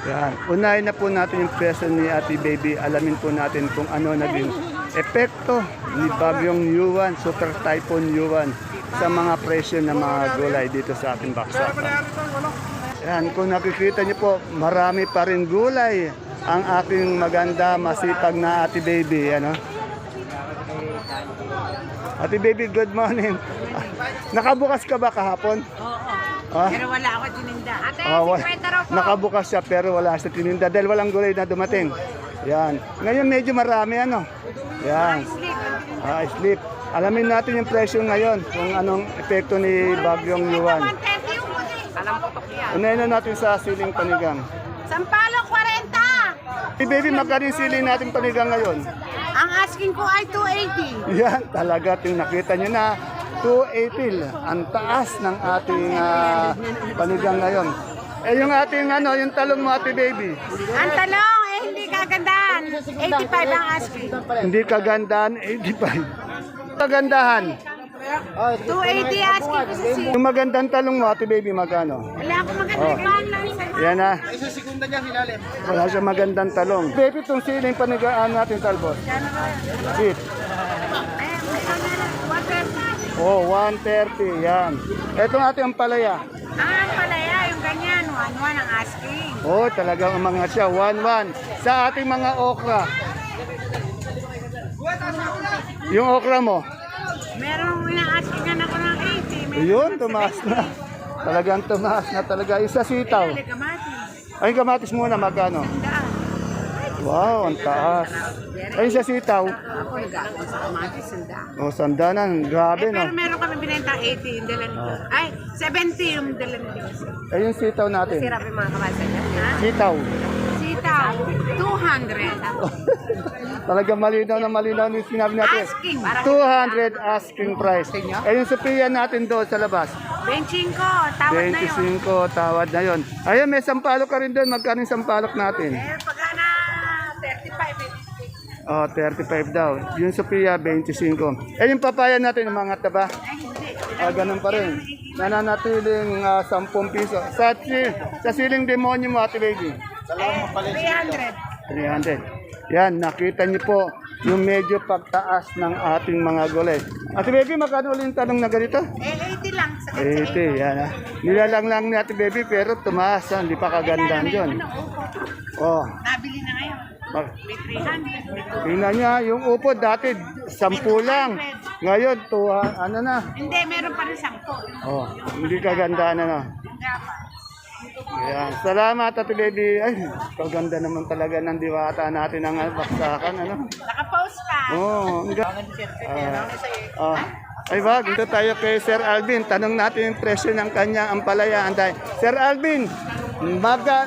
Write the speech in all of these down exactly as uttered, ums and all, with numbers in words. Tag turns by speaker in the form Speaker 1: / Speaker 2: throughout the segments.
Speaker 1: Yan. Unahin na po natin yung presyo ni Ate Baby. Alamin po natin kung ano naging epekto ni Bagyong Yuan, Super Typhoon Yuan sa mga presyo ng mga gulay dito sa ating baksakan. Yan, kung nakikita niyo po, marami pa rin gulay ang aking maganda, masipag na Ate Baby. Ano? Ate Baby, good morning. Nakabukas ka ba kahapon?
Speaker 2: Oo.
Speaker 1: Ah?
Speaker 2: Pero wala ako tininda. Ate,
Speaker 1: Ah, wa-
Speaker 2: si Kwenta raw po.
Speaker 1: nakabukas siya pero wala sa tininda dahil walang gulay na dumating. Yan. Ngayon medyo marami ano. Yan.
Speaker 2: Sleep.
Speaker 1: Ah, sleep. Alamin natin yung presyo ngayon kung anong epekto ni Bagyong Yuan.
Speaker 2: one twenty yung puti. Alam ko to yan.
Speaker 1: Unahin na natin sa siling panigang.
Speaker 2: Sampalok, forty.
Speaker 1: Hey baby, magkano yung siling natin panigang ngayon?
Speaker 2: Ang asking ko ay two eighty.
Speaker 1: Yan, talaga yung nakita nyo na two eighty. Ang taas ng ating ah, panigang ngayon. Eh yung ating ano, yung talong mo Ate Baby.
Speaker 2: Ang talong, eh hindi kagandahan. eighty-five ang asking.
Speaker 1: Hindi kagandahan, eighty-five. Kagandahan.
Speaker 2: two eighty asking ko sa si.
Speaker 1: Yung magandang talong mo Ate Baby, magkano?
Speaker 2: Wala akong magandang pan lang sa
Speaker 1: Yan na. Wala siya magandang talong. Baby, itong siling panigaan natin talbos. Sweet.
Speaker 2: Eh, ano na, one thirty.
Speaker 1: Oh, one thirty. Yan. Itong ating ampalaya.
Speaker 2: Ang palaya, yung ganyan, one one ang asking.
Speaker 1: Oh, talagang umangat siya. one one. Sa ating mga okra. Yung okra mo.
Speaker 2: Merong ina-asking ako ng eighty. Meron
Speaker 1: Yun,
Speaker 2: ng
Speaker 1: tumaas na. Talagang tumaas na talaga. Yung sa sitaw.
Speaker 2: seventy. Kamatis.
Speaker 1: Ay, yung kamatis muna, magkano?
Speaker 2: Daan.
Speaker 1: Wow, ang taas. Ay, sa sitaw.
Speaker 2: Ako nag-aakon sa kamatis, sandaan.
Speaker 1: Oh, sandanan. Grabe,
Speaker 2: Eh, pero
Speaker 1: no?
Speaker 2: meron kami binenta eighty yung dala nito. Ay, seventy yung dala nito.
Speaker 1: Ay, yung sitaw natin.
Speaker 2: Sirap yung mga kamasa niya. Ha?
Speaker 1: Sitaw.
Speaker 2: Sitaw, two hundred.
Speaker 1: Talagang malinaw na malinaw yung sinabi natin.
Speaker 2: Asking.
Speaker 1: two hundred asking price. Eh, yung Sophia natin doon sa labas.
Speaker 2: twenty-five, tawad na yun.
Speaker 1: twenty-five, tawad na yun. Ayun, may sampalok ka rin doon. Magkano yung sampalok natin?
Speaker 2: Eh, pagka na thirty-five, eh.
Speaker 1: Oh, thirty-five daw. Yung Sophia, twenty-five. Eh, yung papaya natin, umangat na ba?
Speaker 2: Ay, hindi.
Speaker 1: Ah, ganun pa rin. Nananatiling uh, ten piso. Sa, si- sa siling demonyo mo, Ate Baby?
Speaker 2: Eh, three hundred.
Speaker 1: three hundred. Yan, nakita niyo po yung medyo pagtaas ng ating mga gulay. Ate Baby, magkano ulit yung tanong na ganito?
Speaker 2: Eh, eighty lang. Sa
Speaker 1: eighty, yan ha. Nilalang lang ni Ate Baby pero tumaas, ha? Hindi pa kagandaan yun. Oh,
Speaker 2: Nabili na ngayon.
Speaker 1: mag-
Speaker 2: May three hundred. May two-
Speaker 1: tingnan niya, yung upo dati, sampu lang. Ngayon, tuwa, ano na.
Speaker 2: Hindi, meron pa rin sampo.
Speaker 1: Oh, hindi kagandaan na. No?
Speaker 2: Yung dapat.
Speaker 1: Ayan. Salamat, Ate Baby. Ay, kaganda naman talaga ng diwata natin ang baksakan. Ano?
Speaker 2: Nakapost ka.
Speaker 1: Oh, ang ga- Ah, ah. Ay ba, dito tayo kay Sir Alvin. Tanong natin yung presyo ng kanyang ampalaya. Anday. Sir Alvin, maga...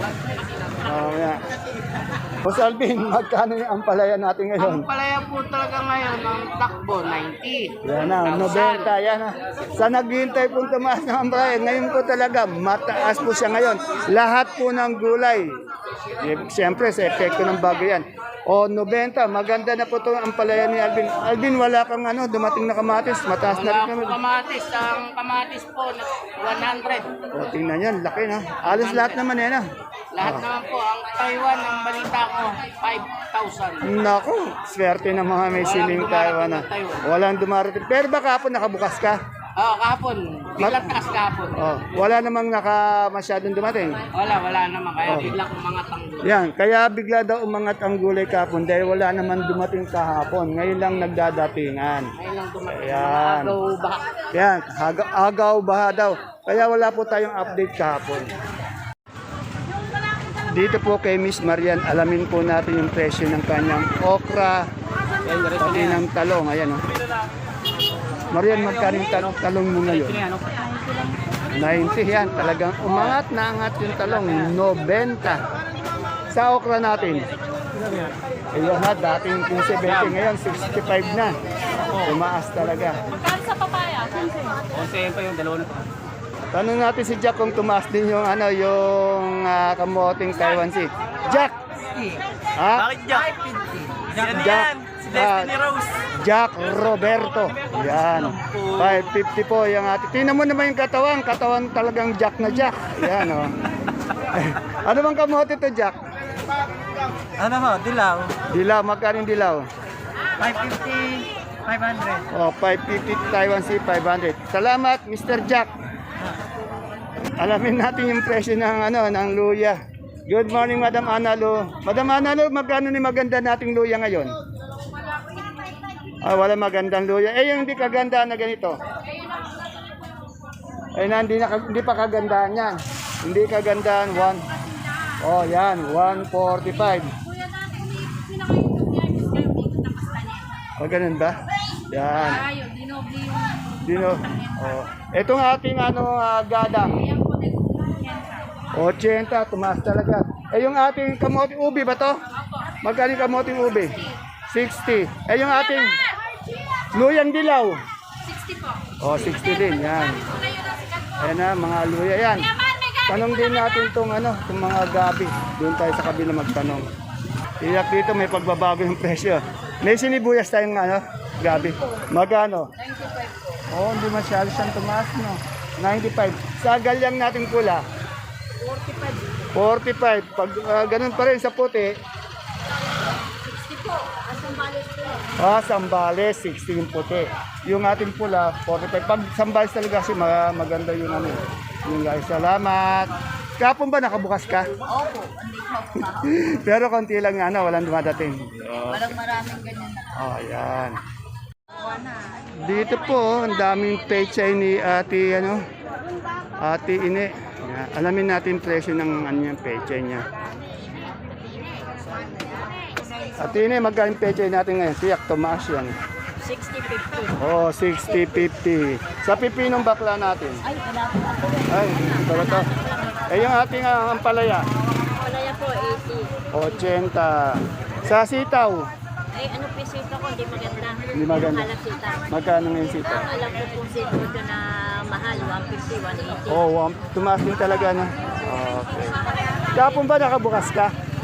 Speaker 1: Oh, yeah. Boss Alvin, magkano yung ampalaya natin ngayon?
Speaker 3: Ang palaya po talaga ngayon, ang takbo, ninety.
Speaker 1: Yan na, nobenta, yan na. Sa naghihintay po tumaas ng ampalaya, ngayon po talaga, mataas po siya ngayon. Lahat po ng gulay. Eh, Siyempre, sa epekto ng bago yan. O, nobenta, maganda na po ito ang ampalaya ni Alvin. Alvin, wala kang ano, dumating na kamatis, mataas na
Speaker 3: Wala
Speaker 1: rin
Speaker 3: po
Speaker 1: naman.
Speaker 3: kamatis, ang kamatis po, one hundred.
Speaker 1: O, tingnan yan, laki na. Alos lahat naman yan ah.
Speaker 3: Lahat naman po, ang Taiwan, ang balita ko, five thousand.
Speaker 1: Naku, swerte ng mga may siling Taiwan na. Walang dumarating. Pero baka po nakabukas ka?
Speaker 3: Oo, kahapon, biglang taas kahapon.
Speaker 1: Oh, wala namang naka masyadong dumating.
Speaker 3: Wala, wala naman, kaya biglang umangat ang dulo.
Speaker 1: Yan, kaya bigla daw umangat ang gulay kahapon dahil wala naman dumating kahapon. Ngayon lang nagdadatingan.
Speaker 3: Ngayon lang dumating,
Speaker 1: Ayan.
Speaker 3: mga agaw ba?
Speaker 1: Yan, aga, agaw baha daw. Kaya wala po tayong update kahapon. Dito po kay Miss Marian, alamin po natin yung presyo ng kanyang okra, pati ng talong. Ayan, oh. Marian, magkano yung talong, talong mo ngayon? ninety yan. Talagang umangat na angat yung talong. ninety. Sa okra natin. Ayun na, dating fifteen twenty, ngayon sixty-five na. Tumaas talaga.
Speaker 3: onse pa yung dalawa na to.
Speaker 1: Tanong natin si Jack kung tumaas din yung ano, yung ah, kamoting Taiwan Sea. Jack! Ha?
Speaker 3: Bakit Jack? Yan
Speaker 1: Jack.
Speaker 3: yan, si Destiny
Speaker 1: Ah,
Speaker 3: Rose.
Speaker 1: Jack Roberto. Yan. five fifty po yung ate. Tingnan mo naman yung katawan. Katawan talagang Jack na Jack. Yan, oh. Ano bang kamote to, Jack?
Speaker 3: Ano ho, dilaw?
Speaker 1: Dilaw, magkano yung dilaw?
Speaker 3: five fifty, five hundred.
Speaker 1: Oh, five fifty Taiwan Sea, five hundred. Salamat, mister Jack. Alamin natin yung presyo ng ano, ng luya. Good morning, Madam Analo. Madam Analo, magkano ni maganda nating luya ngayon? Ah, wala magandang luya. Eh, yung hindi kaganda na ganito. Eh, na, hindi, na, hindi pa kagandaan yan. Hindi kagandaan, one. Oh, yan, one forty-five. O, ganun ba? Yan. Dino. Oh. Itong ating ano, uh, gadang. eighty, tumaas talaga. Eh, yung ating kamote ubi ba to? Magkano yung kamote ubi? sixty. Eh, yung ating luyang dilaw?
Speaker 2: sixty po.
Speaker 1: Oh, sixty din. Yan. Ayan na, mga luya yan. Tanong din natin itong ano, itong mga gabi. Doon tayo sa kabila magtanong. Iyak dito may pagbabago yung presyo. May sinibuyas tayong ano, gabi. Magano?
Speaker 2: ninety-five po.
Speaker 1: Oh, hindi masyado siyang tumaas, no? ninety-five. Sa galyang natin pula?
Speaker 2: forty-five.
Speaker 1: forty-five. Pag ah, ganun pa rin sa puti,
Speaker 2: sixty po. Asang balis po.
Speaker 1: ah, sambales, sixty yung puti. Yung ating pula, forty-five. Pag sambales talaga kasi ma- maganda yung ano. Yung guys, salamat. Kapon ba nakabukas ka?
Speaker 2: Opo. Hindi po.
Speaker 1: Pero konti lang nga na, walang dumadating.
Speaker 2: Walang maraming ganyan na.
Speaker 1: Oh, yan. Dito po, ang daming pechay ni Ate, ano, Ate Ine. Yan. Alamin natin presyo ng ano yung pechay niya. Ate Ine, magkano yung pechay natin ngayon? Tiyak, tumaas yan.
Speaker 2: sixty fifty.
Speaker 1: Oh, sixty fifty. Sa pipinong bakla natin.
Speaker 2: Ay, wala po ako.
Speaker 1: Ay, ito ba ito? Eh, yung ating uh, ampalaya.
Speaker 2: Palaya po, eighty.
Speaker 1: eighty. Sa sitaw.
Speaker 2: Ay, ano po yung sito ko? Hindi maganda.
Speaker 1: Hindi maganda.
Speaker 2: Halang sita.
Speaker 1: Magkano ngayon sitaw?
Speaker 2: Ang alam ko kung sito ito na mahal, one fifty, one eighty.
Speaker 1: Oh, um, tumaas din talaga, no? Okay. Kapon ba nakabukas ka?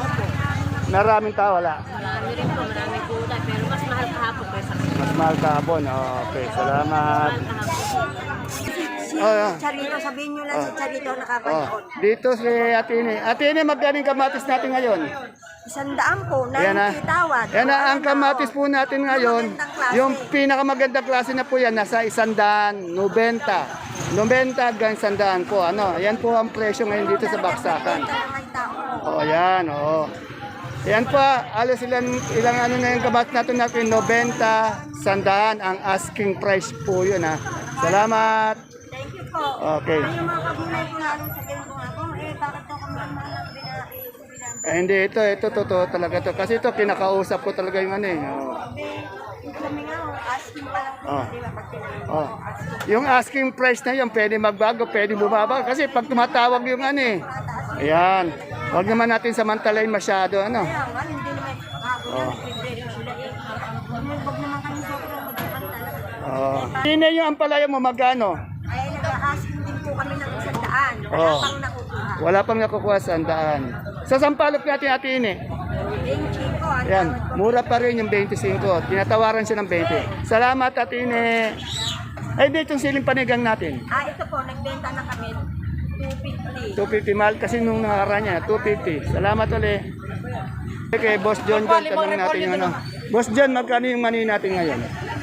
Speaker 1: Maraming tao, wala.
Speaker 2: Marami rin po, maraming kulay. Pero mas mahal kahapon kaysa
Speaker 1: Mas mahal kahapon. Okay, salamat.
Speaker 2: mahal kahapon.
Speaker 1: Oh, yeah.
Speaker 2: Charito, sabihin nyo lang si Charito
Speaker 1: Oh,
Speaker 2: nakapanood.
Speaker 1: dito si Atine. Atine, magkano yung kamatis natin ngayon?
Speaker 2: Isang daan po,
Speaker 1: Ayan na.
Speaker 2: ninety tawad.
Speaker 1: Yan na, ang kamatis po natin ngayon, yung pinakamagandang klase na po yan, nasa isandaan, nobenta. Nobenta hanggang isandaan po. Ano, yan po ang presyo ngayon dito sa Baksakan. Oh, yan, oh. Yan po, alos ilang, ilang ano na yung kamatis natin natin, nobenta, sandaan, ang asking price po yun, ha. Salamat.
Speaker 2: Thank you po.
Speaker 1: Okay.
Speaker 2: Yung mga kabunay po natin sa game ko ako, eh bakit daw kami mahanap binaki?
Speaker 1: Eh, hindi, ito, ito, totoo talaga to. Kasi ito, kinakausap ko talaga yung ano eh. Oh.
Speaker 2: Kami nga, asking pa lang po,
Speaker 1: Oh.
Speaker 2: di ba? Pag tinanong
Speaker 1: Oh. Yung asking price na yun, pwede magbago, pwede bumaba. Kasi pag tumatawag yung ano eh. Ayan. Huwag naman natin samantalain masyado, ano.
Speaker 2: kaya nga, hindi naman ako na nag-prepare sila eh. Huwag naman kami sobrang magpapantala.
Speaker 1: Oh. Sino yung ampalaya mo, magano?
Speaker 2: Ay, nag-asking din po kami ng isang daan. Wala
Speaker 1: Oh.
Speaker 2: pang nakukuha.
Speaker 1: Wala pang nakukuha sa daan. Sa sampalok natin natin eh.
Speaker 2: Benching ko, ang
Speaker 1: Ayan,
Speaker 2: tawad ko.
Speaker 1: mura pa rin yung twenty-five. Tinatawaran siya ng twenty. Salamat, Atine. Ay, dito yung siling panigang natin.
Speaker 2: Ah, ito po, nagbenta na kami. two fifty.
Speaker 1: two fifty mahal kasi nung nakaraan niya, two fifty. Salamat ulit. Okay, Boss John John, tanong natin yung ano. Boss John, magkano yung money natin ngayon?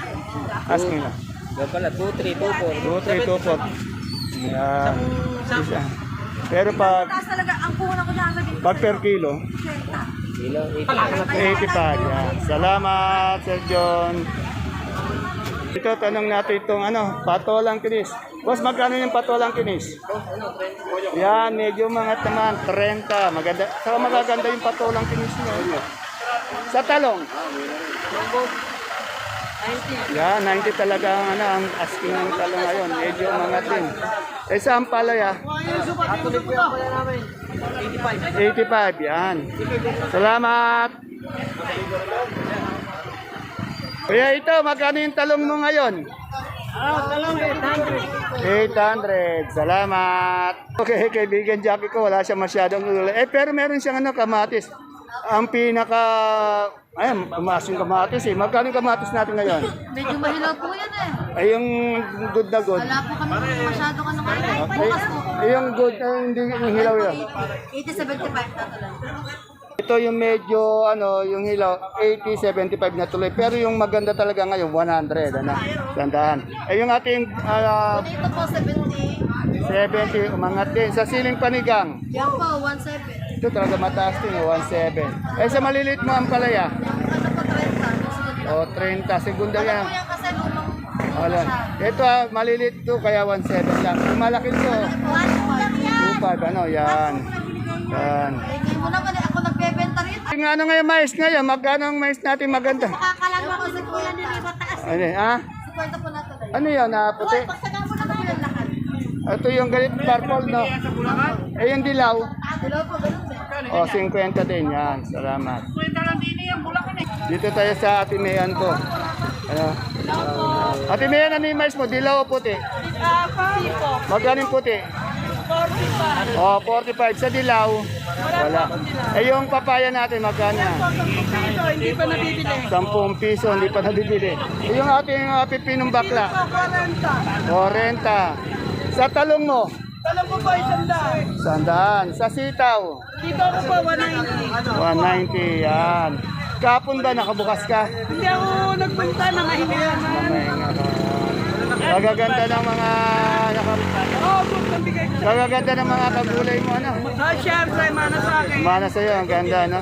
Speaker 1: Ask me na.
Speaker 3: Doon pala, two three, two four.
Speaker 1: two, three, two, four. Yan. Isa. Pero pag,
Speaker 2: Taas talaga, ang kuha ko dyan sabihin ko
Speaker 1: pag per kilo,
Speaker 3: Kilo,
Speaker 1: eighty-five. Yan. Salamat, Sir John. Ito, tanong natin itong ano, patolang kinis. Boss, magkano yung patolang kinis? Yan, medyo mga naman, thirty. Maganda. Saka magaganda yung patolang kinis niya. Sa talong? Yan, ninety talaga ang, ano, ang asking ng talong ngayon. Medyo mga din. Eh, sa ampalaya? eighty-five, yan. Salamat. Kuya, ito, magkano yung talong mo ngayon? eight hundred. Salamat. Okay, kaibigan Jackie ko, wala siya masyadong ulula. Eh, pero meron siyang ano, kamatis. ang pinaka, ayan, tumaas yung kamatis eh. Magkano yung kamatis natin ngayon?
Speaker 2: Medyo mahilaw po yan eh.
Speaker 1: Ay, yung good na good.
Speaker 2: Wala po kami masyadong ano ngayon.
Speaker 1: Ay,
Speaker 2: Bukas po.
Speaker 1: yung good, ay, hindi yung hilaw yun.
Speaker 2: eighty seventy-five na tuloy.
Speaker 1: Ito yung medyo, ano, yung hilaw, eighty seventy-five na tuloy. Pero yung maganda talaga ngayon, one hundred, ano, tandaan. Eh, yung ating, ah,
Speaker 2: Dito po seventy.
Speaker 1: seventy, umangat din. Sa siling panigang,
Speaker 2: Yan po, one seven.
Speaker 1: ito talaga mataas din, one seven. Eh, sa malilit mo ang palaya,
Speaker 2: Ano po, thirty.
Speaker 1: o, thirty, segunda
Speaker 2: Ano
Speaker 1: yan.
Speaker 2: po yan kasi lumang
Speaker 1: Wala. Ito ah, malilit to, kaya one seven lang. Yung malaki to,
Speaker 2: one five yan.
Speaker 1: two five, ano, yan. Yan.
Speaker 2: Eh, ngayon mo naman eh, ako nagbebenta rin.
Speaker 1: Yung ano ngayon, mais ngayon, magkano ang mais natin maganda?
Speaker 2: Makakalan mo ako sa kuya nila, mataas.
Speaker 1: Ano, ah?
Speaker 2: Kwenta po na tuloy.
Speaker 1: Ano yan, na puti?
Speaker 2: Uy, pagsaga mo naman yung lahat.
Speaker 1: Ito yung galit purple, no? Eh, yung dilaw.
Speaker 2: Dilaw po, ganun eh.
Speaker 1: O, fifty din yan. Salamat. Dito tayo sa Ate Mayan ko. Ano? Ate Mayan, ano yung mais mo? Dilaw o puti?
Speaker 2: Ah, puti po.
Speaker 1: Magkano yung puti?
Speaker 2: forty-five.
Speaker 1: O, forty-five. Sa dilaw? Wala. Eh, yung papaya natin, magkano?
Speaker 2: Ito, hindi pa nabibili.
Speaker 1: Sampung piso, hindi pa nabibili. Eh, yung ating uh, pipinong bakla?
Speaker 2: forty.
Speaker 1: forty. Sa talong mo?
Speaker 2: Alam mo ba, isang daan?
Speaker 1: Sandaan. Sa sitaw?
Speaker 2: Dito ako po, one ninety.
Speaker 1: one ninety, yan. Kapon ba nakabukas ka?
Speaker 2: Hindi ako nagpunta na mahinga naman.
Speaker 1: Mamay nga ka. Kagaganda ng mga naka,
Speaker 2: Oo, good ang bigay ko.
Speaker 1: kagaganda ng mga kagulay mo, ano?
Speaker 2: Ah, syempre, mana sa akin.
Speaker 1: Mana sa'yo, ang ganda, no?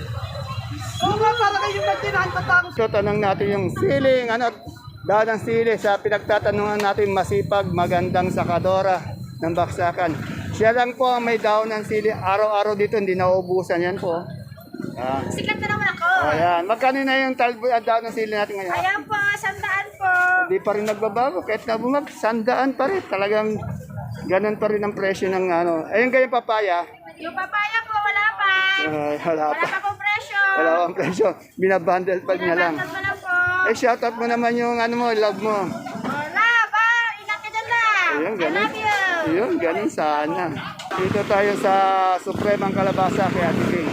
Speaker 2: Oo nga, para kayong nagtinahan patapos.
Speaker 1: So, tanong natin yung siling, ano, dahil ng sili sa pinagtatanungan natin masipag, magandang sakadora ng baksakan. Siya lang po ang may daon ng sili. Araw-araw dito, hindi nauubusan yan po. Ah.
Speaker 2: Sikat na naman ako.
Speaker 1: Oh, yan. Magkano na yung talbo at daon ng sili natin ngayon?
Speaker 2: Ayan po, sandaan po.
Speaker 1: Hindi pa rin nagbabago. Kahit na bumag, sandaan pa rin. Talagang ganun pa rin ang presyo ng ano. Ayun kayong papaya.
Speaker 2: Yung papaya po, wala pa.
Speaker 1: Ay, wala
Speaker 2: Wala
Speaker 1: pa.
Speaker 2: pa pong presyo.
Speaker 1: Wala pang presyo. Binabundle pa niya lang.
Speaker 2: Pinabasag mo lang po.
Speaker 1: Eh, shoutout mo naman yung ano mo, love mo.
Speaker 2: Wala ba? Ingat ka dyan lang.
Speaker 1: Ayun,
Speaker 2: I
Speaker 1: ganun.
Speaker 2: love you.
Speaker 1: Ayun, ganun sana. Dito tayo sa Supremang Kalabasa kay Ate King.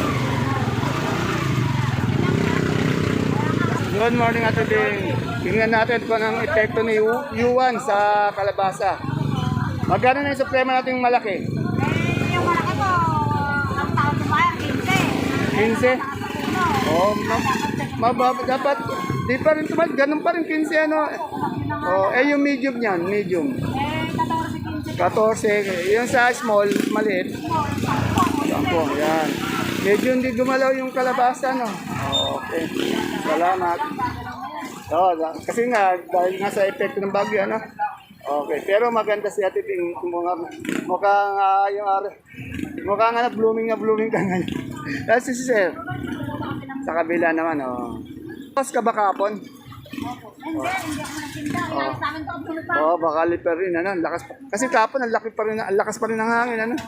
Speaker 1: Good morning, Ate King. Tingnan natin kung anong epekto ni Yu- Yuan sa kalabasa. Magkano na yung suprema nating malaki?
Speaker 2: Eh, yung malaki po, ang taon ko ba?
Speaker 1: fifteen? Oh, ma- mababa. Dapat, di pa rin tumal. Ganun pa rin fifteen, ano. Oh, eh, yung medium niyan, medium.
Speaker 2: Eh,
Speaker 1: fourteen. Yung sa small, maliit. Sampo, yan. Medyo hindi gumalaw yung kalabasa, no? Okay. Salamat. Oh, da- kasi nga, dahil nga sa epekto ng bagyo, ano? Okay, pero maganda si Ate Ping. Mukhang, mukhang uh, yung araw. Mukhang nga na blooming na blooming ka ngayon. Kasi si Sir, sa kabila naman, oh. Pas ka ba kapon? Oh, baka liper rin, ano? Lakas pa. Kasi kapon, ang laki pa rin, ang lakas pa rin ng hangin, ano?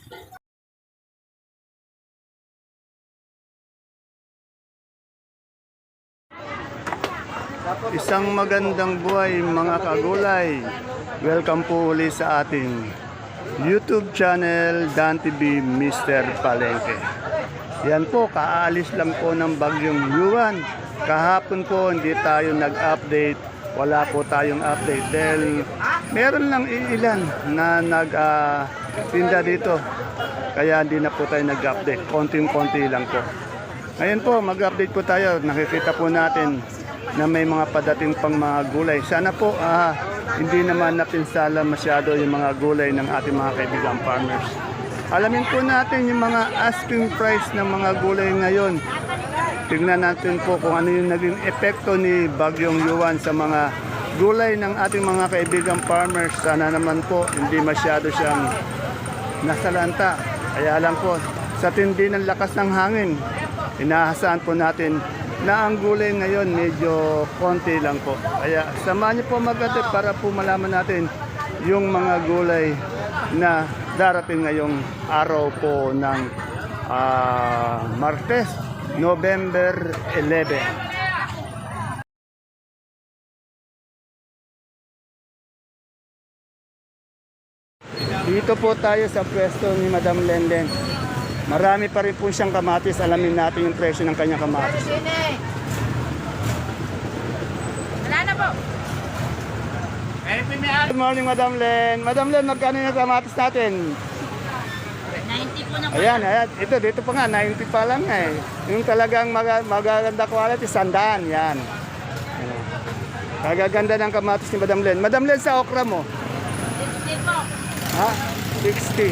Speaker 1: Isang magandang buhay mga kagulay. Welcome po uli sa ating YouTube channel Dan T V Mister Palengke. Yan po, kaalis lang po ng bagyong Yuan. Kahapon po hindi tayo nag-update. Wala po tayong update dahil meron lang ilan na nag-tinda dito. Kaya hindi na po tayo nag-update. Konting-konti lang po. Ngayon po, mag-update po tayo. Nakikita po natin na may mga padating pang mga gulay. Sana po ah, hindi naman napinsala masyado yung mga gulay ng ating mga kaibigan farmers. Alamin po natin yung mga asking price ng mga gulay ngayon. Tingnan natin po kung ano yung naging epekto ni Bagyong Yuan sa mga gulay ng ating mga kaibigan farmers. Sana naman po hindi masyado siyang nasalanta. Kaya lang po, sa tindi ng lakas ng hangin, inaasahan po natin na ang gulay ngayon medyo konti lang po. Kaya samahan niyo po mag-atid para po malaman natin yung mga gulay na darating ngayong araw po ng uh, Martes, November eleven. Dito po tayo sa pwesto ni Madam Lenden. Marami pa rin po siyang kamatis. Alamin natin yung presyo ng kanyang kamatis.
Speaker 2: Wala na po.
Speaker 1: Good morning, Madam Len. Madam Len, magkano yung kamatis natin?
Speaker 2: ninety po na po.
Speaker 1: Ayan, ayan. Ito, dito pa nga, ninety pa lang eh. Yung talagang mag magaganda quality, sandaan. Yan. Ayan. Kagaganda ng kamatis ni Madam Len. Madam Len, sa okra mo?
Speaker 2: sixty po.
Speaker 1: Ha? sixty.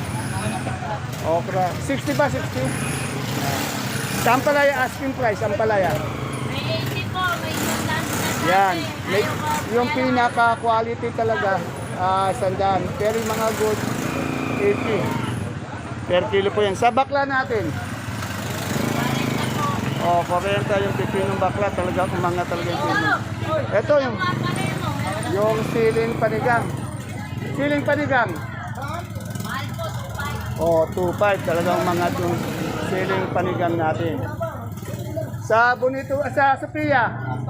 Speaker 1: Okra. sixty ba? sixty? Sampalaya, asking price, sampalaya.
Speaker 2: May eighty po. May sandaan na
Speaker 1: Yan. May, yung pinaka-quality talaga, ah, sandaan. Pero yung mga good, eighty. Per kilo po yan. Sa bakla natin. Oh, forty yung pipinong bakla. Talaga, umanga talaga yung pipino. Ito yung, yung siling panigang. Siling panigang. Oh, two five. Talagang umangat yung siling panigang natin. Sa Bonito, sa Sophia.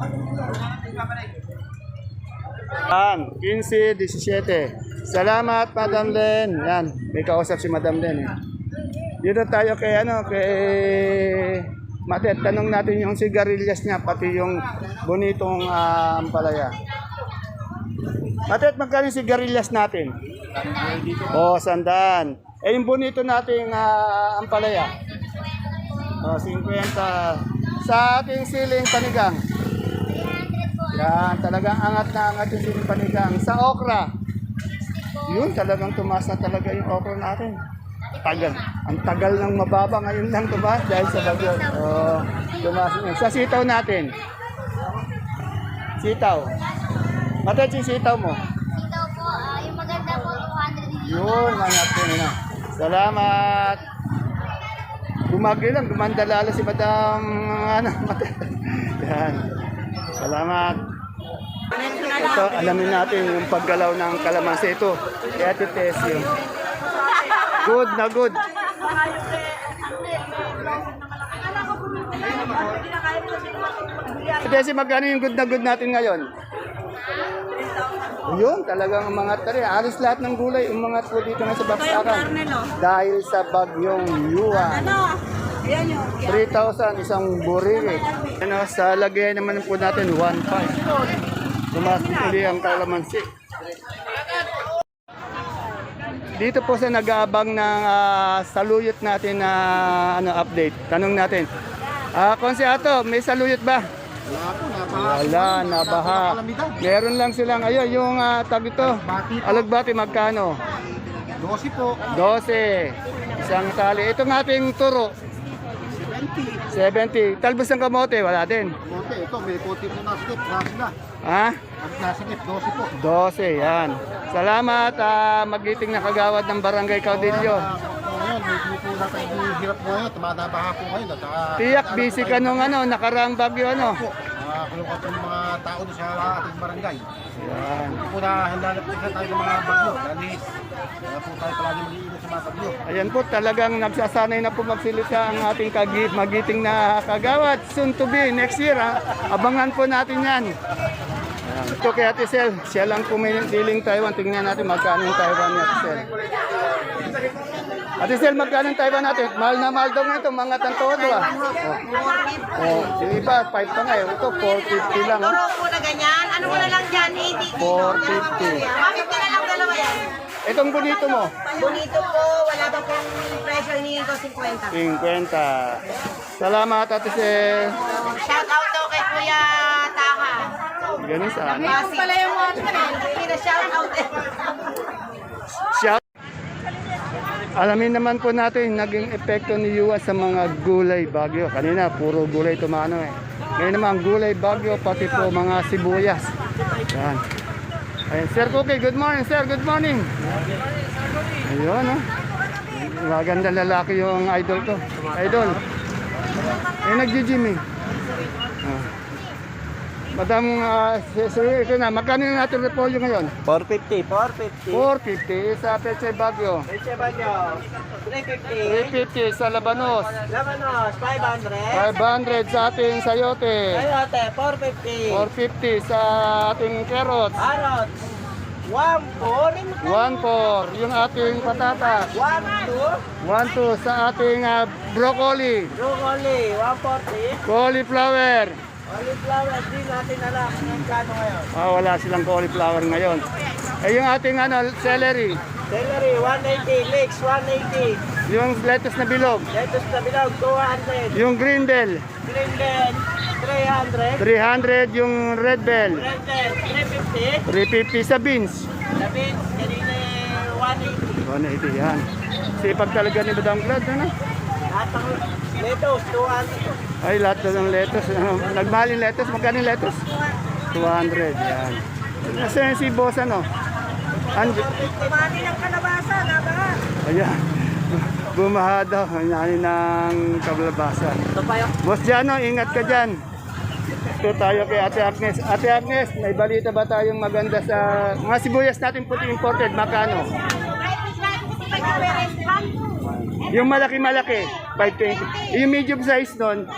Speaker 1: Yan, fifteen, seventeen. Salamat, Madam Len. Yan, may kausap si Madam Len. Eh. Dito tayo kay ano, kay Matet. Tanong natin yung sigarilyas niya, pati yung bonitong uh, ampalaya. Matet, magkano yung sigarilyas natin? O, oh, sandaan. Eh, yung bonito nating uh, ampalaya? O, oh, fifty. Sa ating siling panigang? Yan, talagang angat na angat yung siling panigang. Sa okra? Yun, talagang tumaas na talaga yung okra natin. Tagal. Ang tagal ng mababa ngayon lang tumaas dahil sa bagyo. Oh, tumaas na. Sa sitaw natin. Sitaw. Matat yung sitaw mo.
Speaker 2: Ito po. ah, yung maganda po, two hundred.
Speaker 1: Yun, angat ko na. Salamat. Gumagay lang, gumanda lalo si Madam ano, Matat. Yan. Salamat. Ito, alamin natin yung paggalaw ng kalamansi ito. Kaya tites yun. Good na good. Kasi magkano yung good na good natin ngayon? Yun, talagang umangat na rin. Alis lahat ng gulay, umangat po dito na sa Baksakan. Dahil sa bagyong Yuan. three thousand isang buriri. Ano, sa lagay naman po natin, one five. Tumasok uli ang kalamansi. Dito po sa nag-aabang ng ah, saluyot natin na ano, update. Tanong natin. Ah, Konseato, may saluyot ba? Wala, nabaha. Meron lang silang, ayun, yung uh, tag ito. Alagbati, magkano?
Speaker 4: twelve po.
Speaker 1: twelve. Isang tali. Itong ating turo. seventy. Talbos ng kamote, wala din.
Speaker 4: Konti, ito may konti po nasikip, nasa na.
Speaker 1: Ha?
Speaker 4: Nasikip, twelve po.
Speaker 1: twelve, yan. Salamat, ah, magiting na kagawad ng Barangay Caudillo.
Speaker 4: Ah, ngayon, medyo po natin hirap mo ngayon, tumatabaha po ngayon. At saka,
Speaker 1: Tiyak, busy ka nung ano, nakaraang bagyo, ano?
Speaker 4: po, uh, kulungan po ng mga tao doon sa ating barangay.
Speaker 1: Yan.
Speaker 4: Hindi po na handalat po tayo ng mga bagyo. Dahil kaya po tayo palagi mag-iingat sa mga bagyo.
Speaker 1: Ayan po, talagang nagsasanay na po magsilita ang ating kagi- magiting na kagawad. Soon to be, next year, ha? Abangan po natin yan. Ayan. Ito kay Ate Sel, siya lang po may dealing Taiwan. Tingnan natin magkano yung Taiwan ni Ate Sel. Ate Sel, magkano yung Taiwan natin? Mahal na mahal daw nga ito, mga tantodo ah. Oh, oh, yung iba, five pa nga eh. Ito, four fifty lang.
Speaker 2: Turo
Speaker 1: Oh.
Speaker 2: po na ganyan. Ano mo na lang dyan? eighty kilo.
Speaker 1: four fifty.
Speaker 2: Bakit ka na lang dalawa yan?
Speaker 1: Itong bonito mo?
Speaker 2: Bonito po. Wala ba pong presyo? Hiningin ko fifty.
Speaker 1: fifty. Salamat, Ate Sel.
Speaker 2: Shout out to kay Kuya Taha.
Speaker 1: Ganun sa akin.
Speaker 2: Kasi pala yung mga hindi na shout out eh.
Speaker 1: Shout. Alamin naman po natin naging epekto ni Yuan sa mga gulay bagyo. Kanina puro gulay tumano eh. Ngayon naman gulay bagyo pati po mga sibuyas. Yan. Ayun, Sir Cookie, good morning sir, good morning. Ayun oh. Maganda lalaki yung idol ko. Idol. Eh nagji-gym eh. Ah. Madam, uh, ito na, magkano na natin repolyo ngayon?
Speaker 3: four fifty, four fifty.
Speaker 1: four fifty sa Peche Bagyo.
Speaker 3: Leche Bagyo, three fifty.
Speaker 1: three fifty sa Labanos.
Speaker 3: Labanos, five hundred.
Speaker 1: five hundred sa ating sayote.
Speaker 3: Ayote, four fifty.
Speaker 1: four fifty sa ating carrots.
Speaker 3: Carrots, one four,
Speaker 1: one four. Yung ating patatas.
Speaker 3: one two,
Speaker 1: one two sa ating ah, broccoli.
Speaker 3: broccoli, one forty,
Speaker 1: Cauliflower.
Speaker 3: cauliflower, di natin alam kung kano ngayon.
Speaker 1: Ah, wala silang cauliflower ngayon. Eh, yung ating ano, celery.
Speaker 3: Celery, one eighty, leeks, one eighty,
Speaker 1: Yung lettuce na bilog.
Speaker 3: lettuce na bilog, two hundred,
Speaker 1: Yung green bell.
Speaker 3: green bell, three hundred,
Speaker 1: three hundred. Yung red bell.
Speaker 3: red bell, three fifty,
Speaker 1: three fifty sa beans.
Speaker 3: the beans, kanina one eighty.
Speaker 1: one eighty yan. Sipag talaga ni Madam Glad, ano?
Speaker 3: Lahat ng lettuce, two hundred.
Speaker 1: Ay, lahat daw ng lettuce. Ano, nagmahal yung lettuce. Magkano yung lettuce? two hundred. Yan. Kasi yung si boss, ano? Andi.
Speaker 2: Tumani ng kalabasa, nabaha.
Speaker 1: Ayan. Bumaha daw. Ang nani ng kablabasa.
Speaker 3: Ito pa yung
Speaker 1: Boss Jano, ingat ka dyan. Ito tayo kay Ate Agnes. Ate Agnes, may balita ba tayong maganda sa mga sibuyas natin puti imported? Makano? Yung malaki-malaki, five twenty. Yung medium size nun,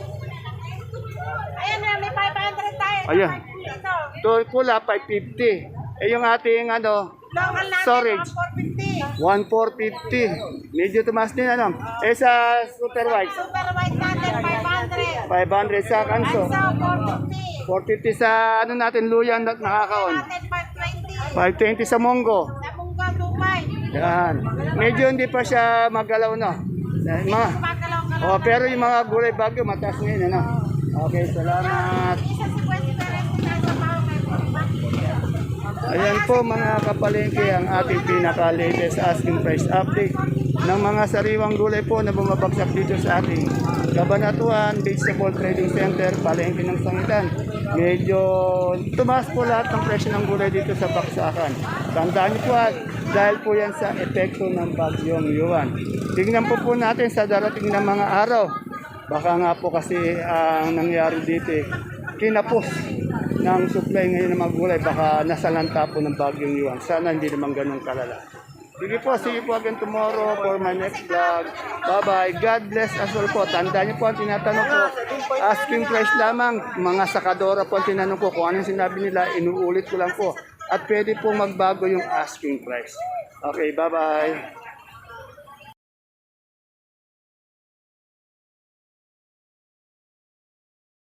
Speaker 2: Ayan na, may five hundred tayo.
Speaker 1: Ayan.
Speaker 2: Ito.
Speaker 1: ito pula, five fifty. Eh yung ating ano,
Speaker 2: Local natin,
Speaker 1: storage,
Speaker 2: one four fifty.
Speaker 1: one four fifty. Medyo tumaas din ano. Eh sa super white,
Speaker 2: Super white natin, five hundred.
Speaker 1: five hundred sa kanso.
Speaker 2: Anso, four fifty.
Speaker 1: four fifty sa ano natin, luyan na nakakaon.
Speaker 2: Natin, five twenty.
Speaker 1: five twenty sa monggo.
Speaker 2: Sa mungga, two five.
Speaker 1: Yan. Medyo hindi pa siya magalaw no. Eh, Mga,
Speaker 2: Pagkalaw-kalaw.
Speaker 1: oh, pero yung mga gulay bagyo mataas ngayon ano. Okay, salamat.
Speaker 2: Isa si Pwede Perez, isa sa pao, may forty.
Speaker 1: Ayan po mga kapalengke ang ating pinaka-latest asking price update ng mga sariwang gulay po na bumabagsak dito sa ating Cabanatuan Vegetable Trading Center, palengke ng Sangitan. Medyo tumaas po lahat ng presyo ng gulay dito sa baksakan. Tandaan niyo po at dahil po yan sa epekto ng bagyong Yuan. Tingnan po po natin sa darating na mga araw. Baka nga po kasi ang nangyari dito eh, kinapos ng supply ngayon ng mga gulay, baka nasalanta po ng bagyong Yuan. Sana hindi naman ganun kalala. Sige po, see you po again tomorrow for my next vlog. Bye-bye. God bless us all po. Tandaan niyo po ang tinatanong ko. Asking price lamang. Mga sakadora po ang tinanong ko. Kung anong sinabi nila, inuulit ko lang po. At pwede po magbago yung asking price. Okay, bye-bye.